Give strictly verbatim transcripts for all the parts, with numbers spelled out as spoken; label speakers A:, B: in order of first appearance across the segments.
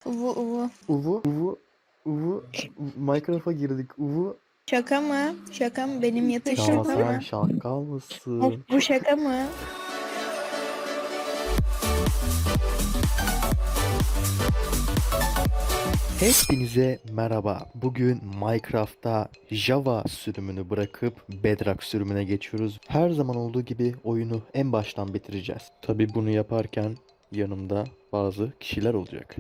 A: Uvu uvu.
B: Uvu, uvu, uvu. Minecraft'a girdik. Uvu.
A: Şaka mı? Şaka mı? Benim yatış
B: Ya
A: şaka
B: sen
A: mı?
B: şakal mısın?
A: Bu şaka mı?
B: Hepinize merhaba. Bugün Minecraft'ta Java sürümünü bırakıp Bedrock sürümüne geçiyoruz. Her zaman olduğu gibi oyunu en baştan bitireceğiz. Tabi bunu yaparken yanımda bazı kişiler olacak.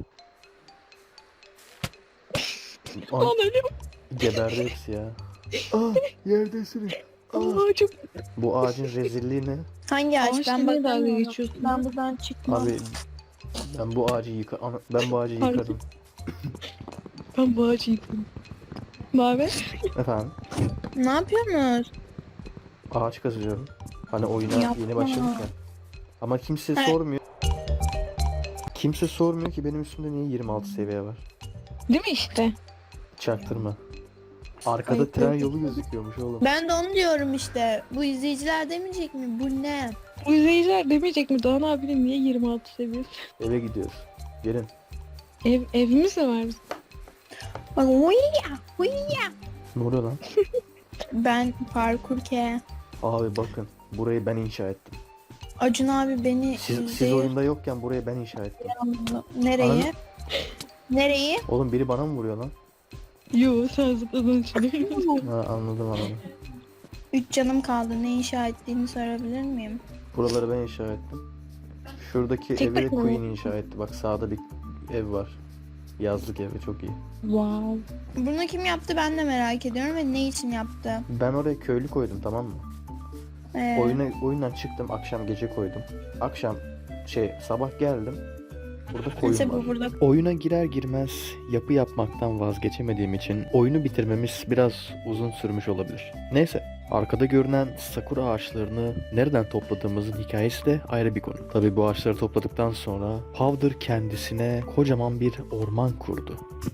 B: Ay,
C: Lan öyle mi?
B: geberdi hepsi ya. Aa, yerdesiniz. Aa.
C: Aa çok...
B: Bu ağacın rezilliği ne?
A: Hangi ağaç?
C: Ağaçla
A: Ben
C: niye dalga
A: bakamıyorum.
C: geçiyorsun?
A: Ben buradan çıkmam.
B: Abi ben bu ağacı yıka ana- ben bu ağacı
C: Pardon.
B: yıkarım.
C: Ben bu ağacı yıktım. Naber?
B: Efendim?
A: Ne yapıyorsunuz?
B: Ağaç kazıyorum. Hani oyuna
A: Yapma.
B: yeni başladık ya. Ama kimse
A: He.
B: sormuyor. Kimse sormuyor ki benim üstümde niye yirmi altı seviye var.
C: Değil mi işte?
B: Çaktırma. Arkada
A: Ay,
B: tren
A: ay.
B: yolu gözüküyormuş oğlum.
A: Ben de onu diyorum işte. Bu izleyiciler demeyecek mi? Bu ne?
C: Bu izleyiciler demeyecek mi? Doğan abinin niye yirmi altı seviyesi?
B: Eve gidiyoruz. Gelin.
C: Ev, evimiz de var bizim.
A: Bak uyuya uyuya.
B: Ne oluyor lan?
A: Ben parkur ke.
B: Abi bakın. Burayı ben inşa ettim.
A: Acun abi beni
B: Siz, siz
A: izleyip-
B: oyunda yokken burayı ben inşa ettim.
A: Nereyi?
B: Ananı-
A: Nereyi?
B: Oğlum biri bana mı vuruyor lan?
C: Yo sen zıpladın içine.
B: Ha, anladım anladım.
A: Üç canım kaldı. Ne inşa ettiğini sorabilir miyim?
B: Buraları ben inşa ettim. Şuradaki
C: Tek
B: evi de
C: başına
B: Queen
C: mı?
B: inşa etti. Bak sağda bir ev var. Yazlık evi çok iyi.
C: Wow.
A: Bunu kim yaptı ben de merak ediyorum ve ne için yaptı?
B: Ben oraya köylü koydum, tamam mı?
A: Ee,
B: Oyuna, oyundan çıktım, akşam gece koydum. Akşam şey sabah geldim. Burada koyun
A: mesela
B: var.
A: bu burada
B: Oyuna girer girmez yapı yapmaktan vazgeçemediğim için oyunu bitirmemiz biraz uzun sürmüş olabilir. Neyse, arkada görünen sakura ağaçlarını nereden topladığımızın hikayesi de ayrı bir konu. Tabii bu ağaçları topladıktan sonra Powder kendisine kocaman bir orman kurdu.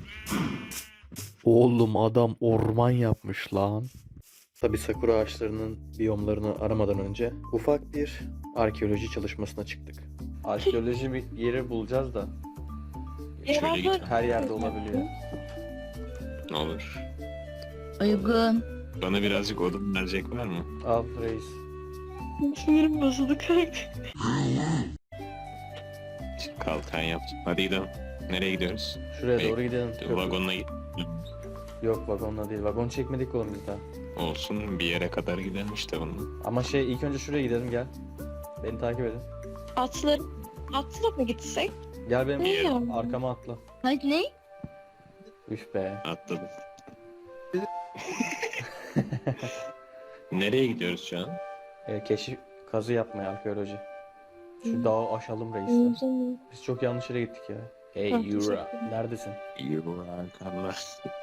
B: Oğlum adam orman yapmış lan. Tabii sakura ağaçlarının biyomlarını aramadan önce ufak bir arkeoloji çalışmasına çıktık. Arkeoloji bir yeri bulacağız da
C: Şöyle git.
B: her yerde olabiliyor.
D: Ne olur.
A: uygun.
D: Bana birazcık odun verecek var mı?
B: Al reis.
C: Sinirim bozuldu kanka.
D: Kalkan yaptım. Hadi gidelim. Nereye gidiyoruz?
B: Şuraya
D: Bey,
B: doğru gidelim. Köprü-
D: Vagonla git.
B: Yok vagonla değil. Vagon çekmedik oğlum biz daha.
D: Olsun bir yere kadar gidelim işte bunun.
B: Ama şey ilk önce şuraya gidelim gel. Beni takip edin.
C: Atlar, atla mı gitsek?
B: Gel benim
C: Ne ya?
B: arkama atla.
A: Hadi ne?
B: Üf be.
D: Atladım. Nereye gidiyoruz şu an?
B: E, keşif kazı yapmaya arkeoloji. Şu dağı aşalım reisler. Biz çok yanlış yere gittik ya. Hey
C: Ha,
B: Yura.
C: teşekkür ederim.
B: Neredesin?
D: İyi bu Allah.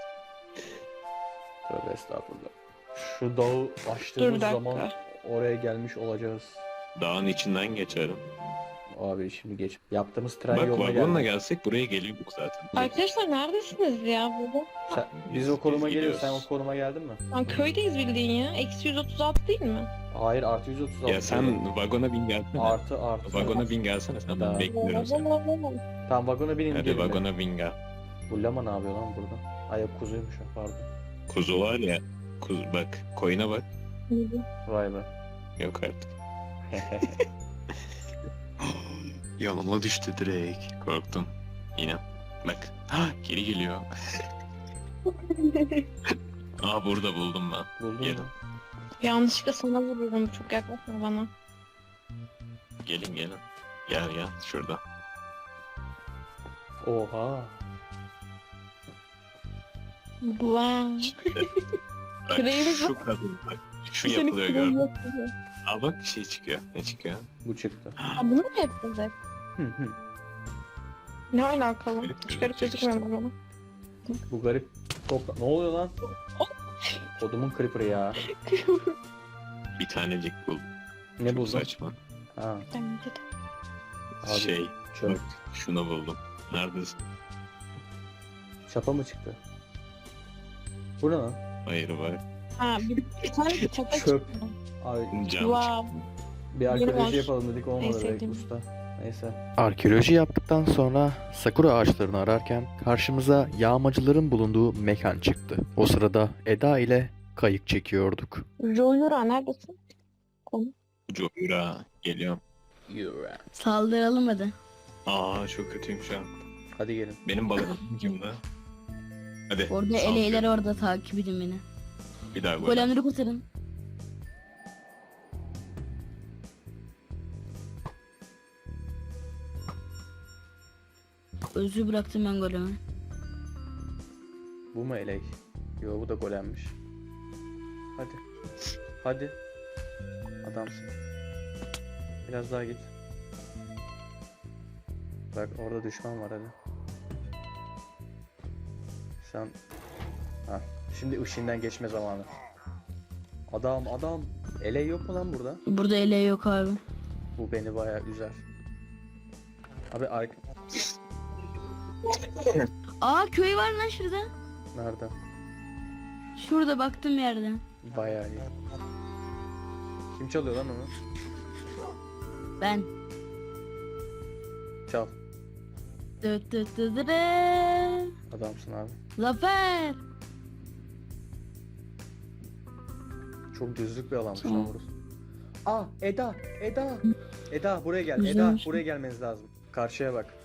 B: Tövbe estağfurullah. Şu dağı
C: Dur
B: açtığımız
C: bir dakika.
B: zaman oraya gelmiş olacağız.
D: Dağın içinden geçerim.
B: Abi şimdi geç. Yaptığımız tren
D: Bak
B: yoluna
D: vagonla
B: geldik.
D: gelsek buraya geliyorduk zaten.
C: Arkadaşlar neredesiniz ya burada?
B: Sen, biz o konuma
D: Biz
B: geliyoruz. Sen
D: gidiyoruz.
B: o konuma geldin mi?
C: Lan köydeyiz bildiğin ya. Eksi yüz otuz altı değil mi?
B: Hayır artı yüz otuz altı.
D: Ya sen vagona bin gelsene.
B: Artı artı.
D: Vagona bin gelsene sen,
B: Daha.
D: ben bekliyorum seni.
B: Tamam vagona binin
D: Hadi
B: gelin.
D: vagona bin gel.
B: Bu lama ne yapıyor lan burada? Ay yok kuzuymuş o, pardon.
D: Kuzu var ya. Kuzu bak, koyuna bak.
B: Vay be.
D: Yok artık. Yanıma düştü direkt. Korktum. Yine. Bak. Ha, geri geliyor. Aa burada buldum ben.
B: Buldun
D: Gelin.
B: mu?
C: Yanlışlıkla sana vururum. Çok yaklaşma bana.
D: Gelin gelin. Gel gel şurada.
B: Oha.
C: Wow.
D: Bak
C: Küreğimiz
D: şu kadın bak. Şu
C: Senin
D: yapılıyor
C: küreğin
D: gördün.
C: yapılıyor.
D: Aa bak bir şey çıkıyor. Ne çıkıyor?
B: Bu çıktı.
C: Ha, bunu mu yapacağız hep?
B: Hı hı.
C: Ne alakalı?
D: Garip
C: Çıkarıp
D: gözükecek
C: gözükmüyor bana.
B: Bu garip topla... Ne oluyor lan? Kodumun creeper'ı ya.
D: Bir tanecik buldum.
B: Ne
D: Çok
B: buldun?
D: saçma.
B: Ha,
C: Bence de.
B: abi,
D: Şey.
B: çöp.
D: Bak şunu buldum. Neredesin?
B: Çapa mı çıktı? Bu ne lan?
D: Hayır var.
C: Ha bir, bir tane bir çapa
B: Çöp.
C: çıktı.
B: Abi
D: Cam
C: Wow.
B: bir
C: Yeni
B: arkeoloji
C: var.
B: yapalım dedik
C: En
B: olmadı be
C: sevdiğim.
B: usta. Neyse. Arkeoloji yaptıktan sonra sakura ağaçlarını ararken karşımıza yağmacıların bulunduğu mekan çıktı. O sırada Eda ile kayık çekiyorduk.
C: Joyura neredesin?
D: Joyra geliyorum.
A: Saldıralım hadi.
D: Aa çok kötüyüm şu an.
B: Hadi gelin.
D: Benim balığım kimde? Hadi.
A: Orada
D: saldırıyorum.
A: eleyler orada takip edin beni.
D: Bir daha golem.
A: Golemleri kurtarın. Özü bıraktım ben golemi.
B: Bu mu elek? Yo bu da golemmiş. Hadi. Hadi. Adamsın. Biraz daha git. Bak orada düşman var hadi. Sen... Ha. Şimdi ışığından geçme zamanı. Adam adam. Elek yok mu lan burada?
A: Burada ele yok abi.
B: Bu beni bayağı üzer. Abi ark...
A: Aa köy var lan şurada.
B: Nerede?
A: Şurada baktım yerden.
B: Bayağı iyi. Kim çalıyor lan onu?
A: Ben.
B: Çal.
A: Dıt dıt dıt dıt.
B: Adamsın abi.
A: Zafer.
B: Çok düzlük bir alanmış lan
A: Tamam.
B: burası. Aa Eda, Eda. Eda buraya gel. Eda
A: Güzelmiş.
B: buraya gelmeniz lazım. Karşıya bak.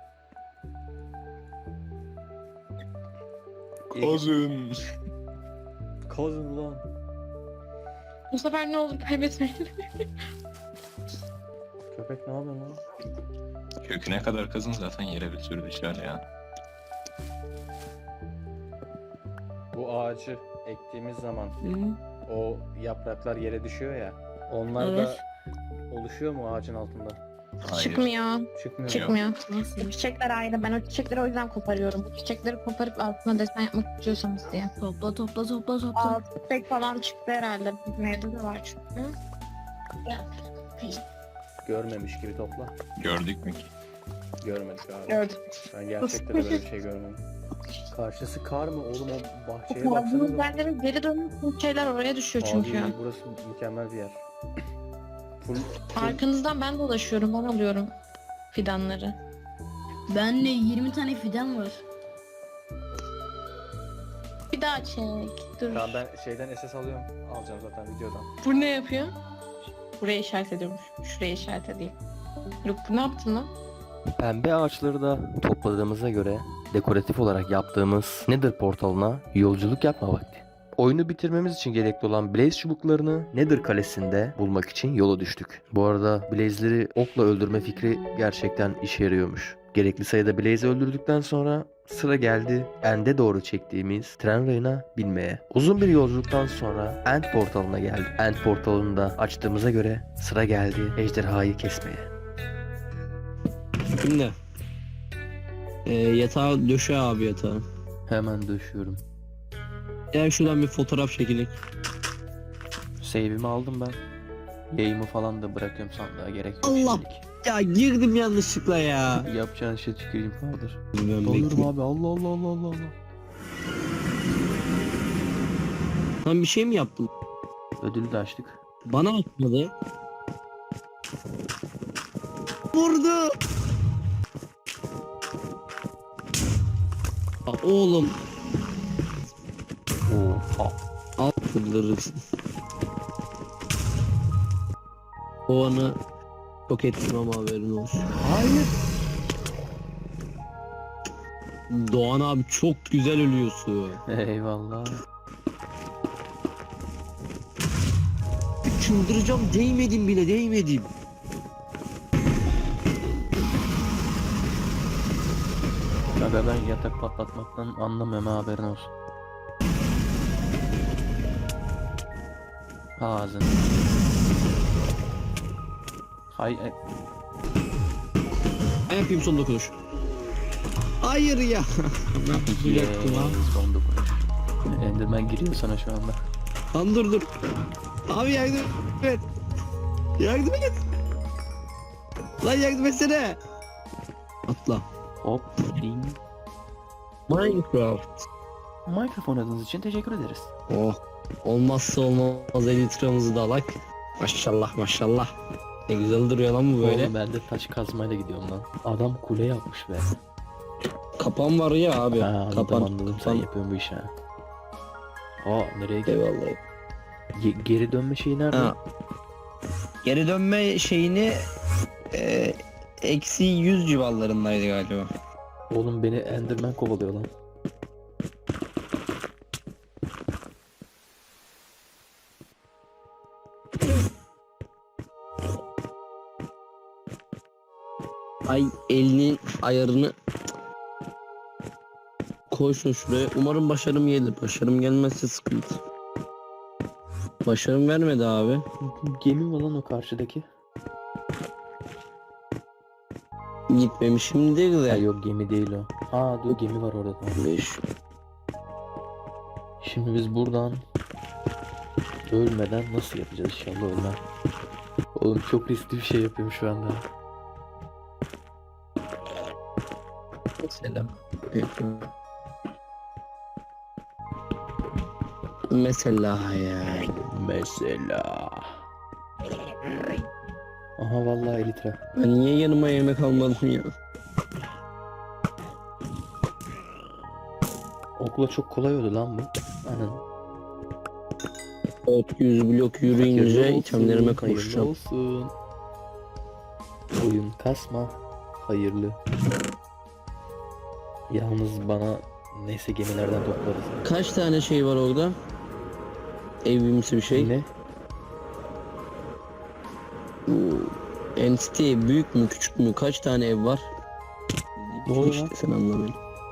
D: Kozun.
B: Kozun ulan.
C: Bu sefer ne olur kaybetmeyin.
B: Köpek ne yapıyor lan?
D: Köküne kadar kazın zaten yere bir sürü düşer ya.
B: Bu ağacı ektiğimiz zaman
A: Hı.
B: o yapraklar yere düşüyor ya. Onlar
A: Evet.
B: da oluşuyor mu ağacın altında?
D: Hayır.
C: Çıkmıyor.
B: Çıkmıyor.
C: Çıkmıyor.
A: Nasıl?
C: Çiçekler ayrı. Ben o çiçekleri o yüzden koparıyorum. Bu çiçekleri koparıp altına desen yapmak istiyorsanız diye.
A: Topla topla topla topla.
C: Altı çiçek falan çıktı herhalde. Mevzu da var çünkü.
B: Görmemiş gibi topla.
D: Gördük mü ki?
B: Görmedik abi.
C: Gördüm.
B: Ben gerçekten de böyle bir şey görmedim. Karşısı kar mı oğlum o bahçeye
C: Bu
B: baksanıza.
C: yerlerin geri dönüş şeyler oraya düşüyor çünkü.
B: Abi burası mükemmel bir yer. Full, full
C: Arkanızdan ben dolaşıyorum. Ben alıyorum fidanları.
A: Bende yirmi tane fidan var.
C: Bir daha çek. Dur.
B: Tamam ben şeyden S S alıyorum. Alacağım zaten videodan.
C: Bu ne yapıyor? Buraya işaret ediyormuş. Şuraya işaret edeyim. Luke bu ne yaptın lan?
B: Pembe ağaçları da topladığımıza göre dekoratif olarak yaptığımız Nether portalına yolculuk yapma vakti. Oyunu bitirmemiz için gerekli olan Blaze çubuklarını Nether kalesinde bulmak için yola düştük. Bu arada Blaze'leri okla öldürme fikri gerçekten işe yarıyormuş. Gerekli sayıda Blaze'i öldürdükten sonra sıra geldi End'e doğru çektiğimiz tren rayına binmeye. Uzun bir yolculuktan sonra End portalına geldik. End portalını da açtığımıza göre sıra geldi ejderhayı kesmeye.
E: Şimdi ee, yatağı döşe abi yatağı.
B: Hemen döşüyorum.
E: Gel şuradan bir fotoğraf çekinik.
B: Save'imi aldım ben. Yayımı falan da bırakıyorum sandığa, gerek yok
E: Allah!
B: şimdilik.
E: Ya girdim yanlışlıkla ya.
B: Yapacağın şey tüküreyim kaldır.
E: Bilmiyorum,
B: Olurum
E: bekle.
B: abi, Allah Allah Allah Allah Allah.
E: Lan bir şey mi yaptın?
B: Ödülü de açtık.
E: Bana atmadı. Vurdu. Aa, oğlum.
B: Oha.
E: Al fırlarırsın. O anı çok ettim ama haberin olsun.
B: Hayır.
E: Doğan abi çok güzel ölüyorsun.
B: Eyvallah.
E: Çıldıracağım, değmedim bile, değmedim.
B: Aga ben yatak patlatmaktan anlamıyorum ha, haberin olsun. Ağzını. Hay e,
E: Ben yapayım son dokunuş. Hayır ya. Ne yapacaktım
B: Yeee,
E: ha?
B: son dokunuş. Enderman giriyor sana şu anda.
E: Lan dur dur. Abi yardım et. Yardım et. Lan yardım etsene. Atla.
B: Hop. Ding.
E: Minecraft.
B: Mikrofon adınız için teşekkür ederiz.
E: Oh. Olmazsa olmaz elitramızı da alak. Maşallah maşallah. Ne güzel duruyor lan bu böyle.
B: Oğlum ben de taş kazmayla gidiyorum lan. Adam kule yapmış be.
E: Kapan var ya abi.
B: Ha, anladım
E: kapan.
B: anladım sen
E: kapan.
B: yapıyorsun bu işi ha. Aa nereye gidiyor?
E: Eyvallah.
B: Ge- geri dönme şeyi nerede?
E: Ha. Geri dönme şeyini e, eksi yüz civarlarındaydı galiba.
B: Oğlum beni Enderman kovalıyor lan.
E: Ay elinin ayarını koysun şuraya. Umarım başarım gelir. Başarım gelmezse sıkıntı. Başarım vermedi abi.
B: Gemi mi lan o karşıdaki?
E: Gitmemişim değil
B: Ha,
E: de.
B: yok gemi değil o. Aa dur gemi var orada. Tamam.
E: Beş.
B: Şimdi biz buradan ölmeden nasıl yapacağız inşallah ölmem. Oğlum çok riskli bir şey yapıyorum şu anda.
E: Selam. Mesela ya.
B: Mesela. Aha vallahi elitra.
E: Ben niye yanıma yemek almadım ya?
B: Okula çok kolay oldu lan bu. Aynen.
E: dört yüz blok yürüyünce
B: Hayırlı
E: itemlerime
B: olsun,
E: kavuşacağım.
B: hayırlı olsun. Oyun kasma. Hayırlı. Yalnız bana neyse gemilerden toplarız.
E: Kaç tane şey var orada? Evimsi bir şey.
B: Ne?
E: Bu entity büyük mü küçük mü? Kaç tane ev var?
B: Ne oluyor
E: İşte
B: lan?
E: sen anlamayın.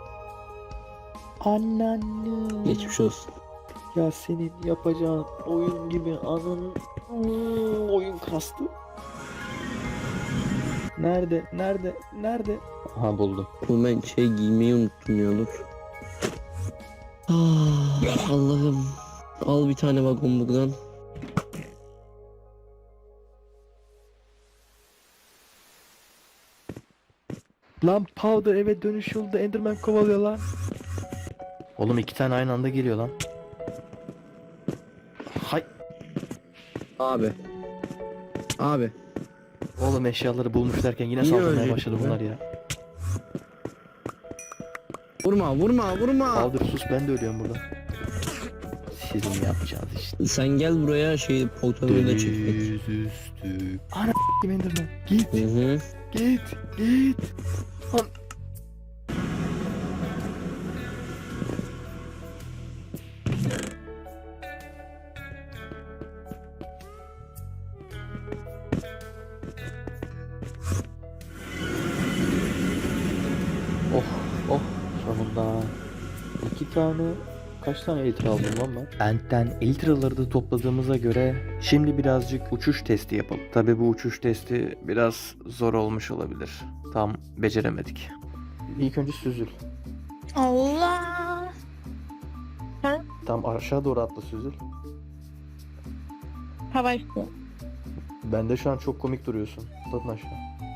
B: Anneanne.
E: Geçmiş olsun.
B: Ya senin yapacağın oyun gibi anın Hmm, oyun kastı. Nerede? Nerede? Nerede? Aha buldum.
E: Bu ben şey giymeyi unuttum ya dur. Ah, Allah'ım. Al bir tane vagon buradan.
B: Lan Powder eve dönüş yolunda Enderman kovalıyor lan. Oğlum iki tane aynı anda geliyor lan. Hay.
E: Abi. Abi.
B: Oğlum eşyaları bulmuş derken yine
E: Niye
B: saldırmaya
E: ölecek
B: başladı
E: bu?
B: bunlar ya.
E: Vurma vurma vurma.
B: Powder sus ben de ölüyorum burada. Sizin yapacağınız işte.
E: Sen gel buraya şey portal önüne çekmek.
B: Deniz üstü. Ana s**tim Enderman. Git
E: Hı hı.
B: git git. Lan. Oh oh sonunda iki tane kaç tane elitra aldım lan ben? Ent'ten eltraları da topladığımıza göre şimdi birazcık uçuş testi yapalım. Tabi bu uçuş testi biraz zor olmuş olabilir. Tam beceremedik. İlk önce süzül.
A: Allah.
B: Tam aşağı doğru atla süzül.
C: Havai
B: Bende şu an çok komik duruyorsun. Atlatın aşağı.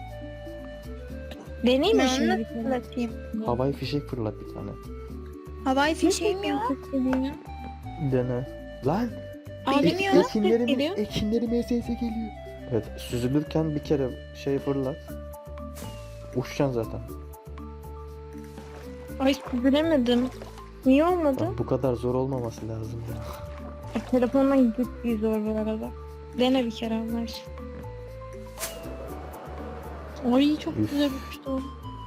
C: Deneyim mi
A: Ben
C: şimdi?
A: nasıl fırlatayım?
B: Havai fişek fırlat bir tane.
A: Havai fişeğim ya.
B: Dene. Lan!
C: Abi
A: Bilmiyorum.
C: nasıl ses
B: Ekinlerim,
C: geliyor?
B: ekinlerim S S geliyor. Evet, süzülürken bir kere şey fırlat. Uçacaksın zaten.
C: Ay süzülemedim. Niye olmadı?
B: Lan bu kadar zor olmaması lazım ya.
C: Ay, telefondan ciddi zor bu arada. Dene bir kere Allah aşkına. Ay çok
B: Üf.
C: güzel uçtu.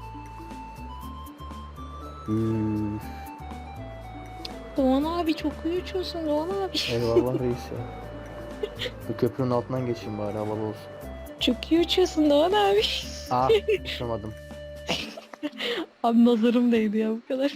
B: Üf.
C: Doğan abi çok iyi uçuyorsun Doğan abi.
B: Eyvallah reis ya. Bu köprünün altından geçeyim bari havalı olsun.
C: Çok iyi uçuyorsun Doğan abi.
B: Ah uçamadım.
C: Abi nazarım değdi ya bu kadar.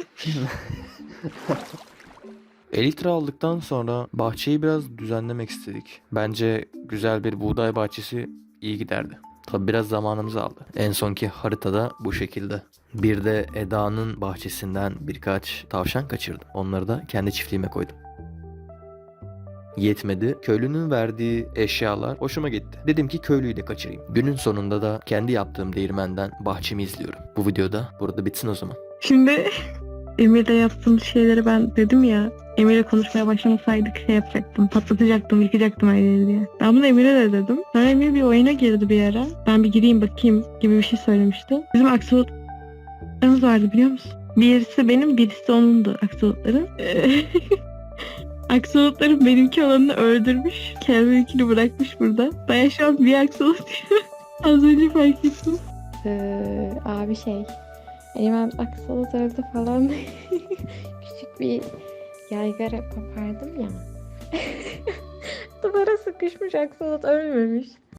B: Elitra aldıktan sonra bahçeyi biraz düzenlemek istedik. Bence güzel bir buğday bahçesi iyi giderdi. Tabi biraz zamanımız aldı. En sonki haritada bu şekilde. Bir de Eda'nın bahçesinden birkaç tavşan kaçırdım. Onları da kendi çiftliğime koydum. Yetmedi. Köylünün verdiği eşyalar hoşuma gitti. Dedim ki köylüyü de kaçırayım. Günün sonunda da kendi yaptığım değirmenden bahçemi izliyorum. Bu videoda burada bitsin o zaman.
C: Şimdi
F: Emir'le yaptığımız şeyleri ben dedim ya. Emir'le konuşmaya başlamasaydık şey yapacaktım. Patlatacaktım, yıkacaktım her yeri diye. Ben bunu Emir'e de dedim. Sonra Emir bir oyuna girdi bir ara. Ben bir gireyim bakayım gibi bir şey söylemişti. Bizim aksolotlarımız vardı biliyor musun? Birisi benim, birisi onundu aksolotların. Aksolotların benimki olanını öldürmüş. Kendininkini bırakmış burada. Ben şu an bir aksolot az önce fark ettim.
G: Ee, abi şey Eymen aksolot öldü falan küçük bir yaygara kopardım ya. Duvara sıkışmış aksolot ölmemiş.